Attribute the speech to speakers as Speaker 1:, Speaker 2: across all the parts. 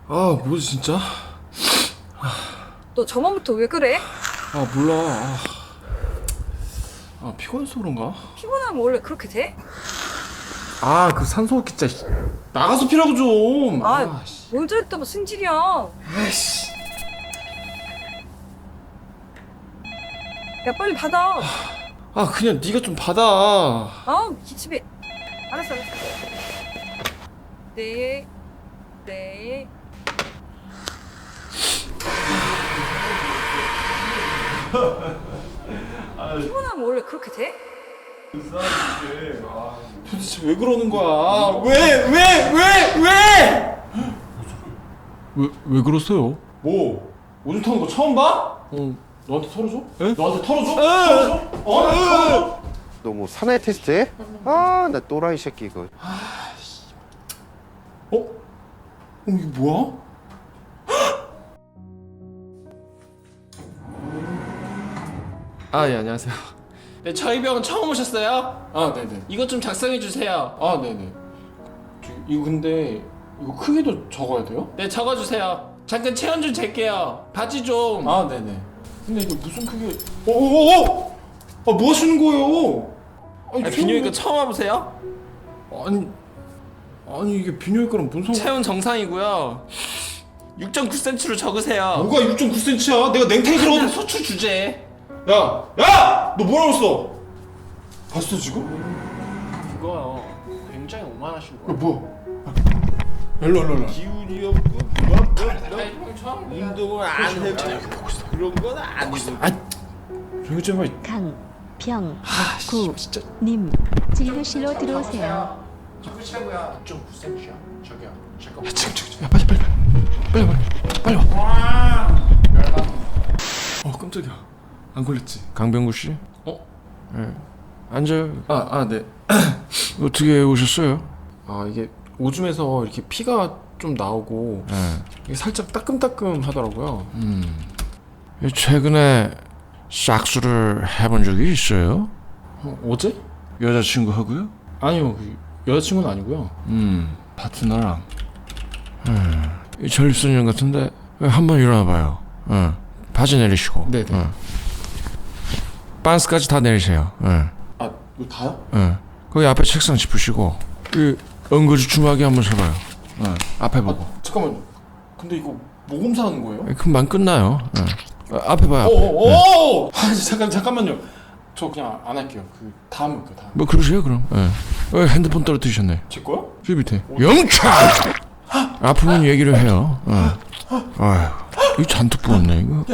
Speaker 1: 아 뭐지 진짜?
Speaker 2: 너 저번부터 왜 그래?
Speaker 1: 아 몰라. 피곤해서 그런가?
Speaker 2: 피곤하면 원래 그렇게 돼?
Speaker 1: 아 그 산소호흡기 진짜 나가서 피라고 좀.
Speaker 2: 뭘 저랬다고 승질이야.
Speaker 1: 아이씨.
Speaker 2: 야 빨리 받아.
Speaker 1: 그냥 네가 좀 받아.
Speaker 2: 기집애. 알았어. 네. 피곤하면 원래 그렇게 돼?
Speaker 1: 도대체 왜 그러는 거야? 왜 그러세요? 뭐? 오줌 터는 거 처음 봐? 너한테 털어줘? 에? 너한테 털어줘? 털어줘?
Speaker 3: 너 뭐 사나이 테스트해? 나 또라이 새끼 이거.
Speaker 1: 이게 뭐야? 예, 안녕하세요.
Speaker 4: 네, 저희 병원 처음 오셨어요?
Speaker 1: 네네.
Speaker 4: 이것 좀 작성해 주세요.
Speaker 1: 네네. 이거 근데 이거 크기도 적어야 돼요?
Speaker 4: 네, 적어 주세요. 잠깐 체온 좀 잴게요. 바지 좀.
Speaker 1: 네네. 근데 이거 무슨 크기? 뭐 하시는 거예요?
Speaker 4: 비뇨기과 처음 와보세요?
Speaker 1: 아니 이게 비뇨기과랑 무슨 상관?
Speaker 4: 체온 정상이고요. 6.9cm로 적으세요.
Speaker 1: 뭐가 6.9cm야? 내가 냉탕에
Speaker 4: 일단
Speaker 1: 들어가도
Speaker 4: 소출 주제.
Speaker 1: 야! 너 뭐라고 했어? 봤어 지금?
Speaker 4: 그거요. 굉장히 오만하신 거예요.
Speaker 1: 뭐야? 일로.
Speaker 5: 기운이 없고 운동을 안 해도 그런 건 아니고.
Speaker 1: 조용히 좀 해.
Speaker 6: 강병구님 진료실로 들어오세요.
Speaker 4: 적으시라고요. 6.9cm요. 저기요. 잠깐만.
Speaker 1: 야 빨리 와. 깜짝이야. 안 걸렸지?
Speaker 7: 강병구 씨? 네. 앉아요.
Speaker 1: 네.
Speaker 7: 어떻게 오셨어요?
Speaker 1: 이게 오줌에서 이렇게 피가 좀 나오고
Speaker 7: 네.
Speaker 1: 이게 살짝 따끔따끔 하더라고요.
Speaker 7: 최근에 싹수를 해본 적이 있어요?
Speaker 1: 어제?
Speaker 7: 여자친구하고요?
Speaker 1: 아니요. 여자친구는 아니고요.
Speaker 7: 파트너랑. 이 전립선염 같은데 한번 일어나봐요. 바지 내리시고.
Speaker 1: 네네.
Speaker 7: 반스까지 다 내리세요.
Speaker 1: 이거 다요?
Speaker 7: 거기 앞에 책상 짚으시고 그 엉거주 주막에 한번 서봐요. 앞에 보고.
Speaker 1: 잠깐만요. 근데 이거 모검사 하는 거예요?
Speaker 7: 금방 끝나요. 앞에 봐요.
Speaker 1: 잠깐만요. 저 그냥 안 할게요. 그 다음 할게요. 다음.
Speaker 7: 뭐 그러세요 그럼. 핸드폰 떨어뜨리셨네.
Speaker 1: 제 거요?
Speaker 7: 저 밑에. 영차! 아프면 얘기를 해요. 아휴, 이거 잔뜩 부었네 이거.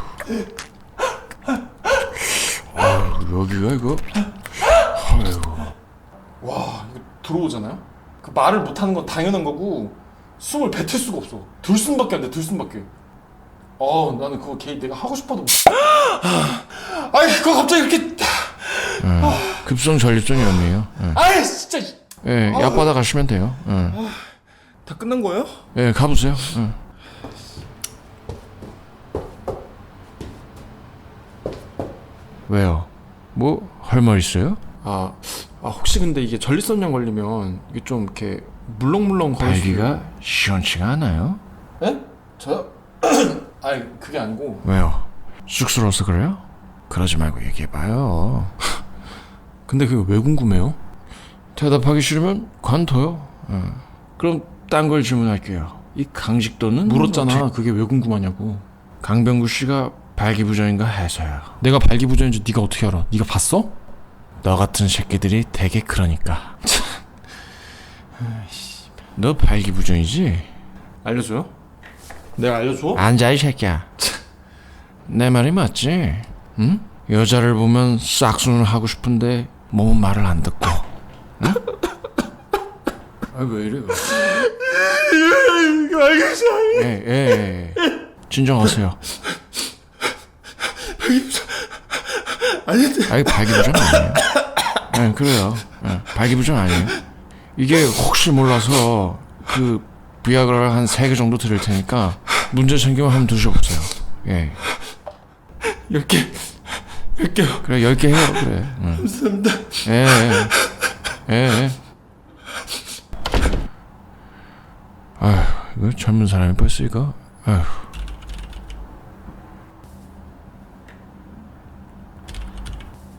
Speaker 7: 아휴, 여기가 이거. 아휴.
Speaker 1: 와 이거 들어오잖아요? 그 말을 못하는 건 당연한 거고 숨을 뱉을 수가 없어. 들숨밖에 안 돼. 들숨밖에. 나는 그거 내가 하고 싶어도 그거 갑자기 이렇게
Speaker 7: 급성 전립선염이에요.
Speaker 1: 진짜
Speaker 7: 약 받아 가시면 돼요.
Speaker 1: 다 끝난 거예요?
Speaker 7: 가보세요. 왜요? 뭐 할 말 있어요?
Speaker 1: 혹시 근데 이게 전립선염 걸리면 이게 좀 이렇게 물렁물렁 거릴 수
Speaker 7: 발기가 시원치가 않아요?
Speaker 1: 네? 저요? 그게 아니고
Speaker 7: 왜요? 쑥스러워서 그래요? 그러지 말고 얘기해봐요.
Speaker 1: 근데 그게 왜 궁금해요?
Speaker 7: 대답하기 싫으면 관둬요. 그럼 딴 걸 질문할게요. 이 강직도는
Speaker 1: 물었잖아. 그게 왜 궁금하냐고.
Speaker 7: 강병구 씨가 발기부전인가 해서요.
Speaker 1: 내가 발기부전인지 네가 어떻게 알아? 네가 봤어?
Speaker 7: 너 같은 새끼들이 되게 그러니까. 너 발기부전이지?
Speaker 1: 알려줘요? 내가 알려줘?
Speaker 7: 앉아 이 새끼야. 내 말이 맞지? 응? 여자를 보면 싹수는 하고 싶은데 몸은 말을 안 듣고. 응? 왜 이래? 예. 진정하세요. 발기부전 아니에요. 그래요. 발기부전 아니에요. 이게 혹시 몰라서 그 비아그라를 한 3개 정도 드릴 테니까 문제 생기면 한번 드셔보세요.
Speaker 1: 10개 10개요.
Speaker 7: 그래 10개 해요. 그래.
Speaker 1: 감사합니다.
Speaker 7: 아휴, 이거 젊은 사람이 벌써 이거. 아휴.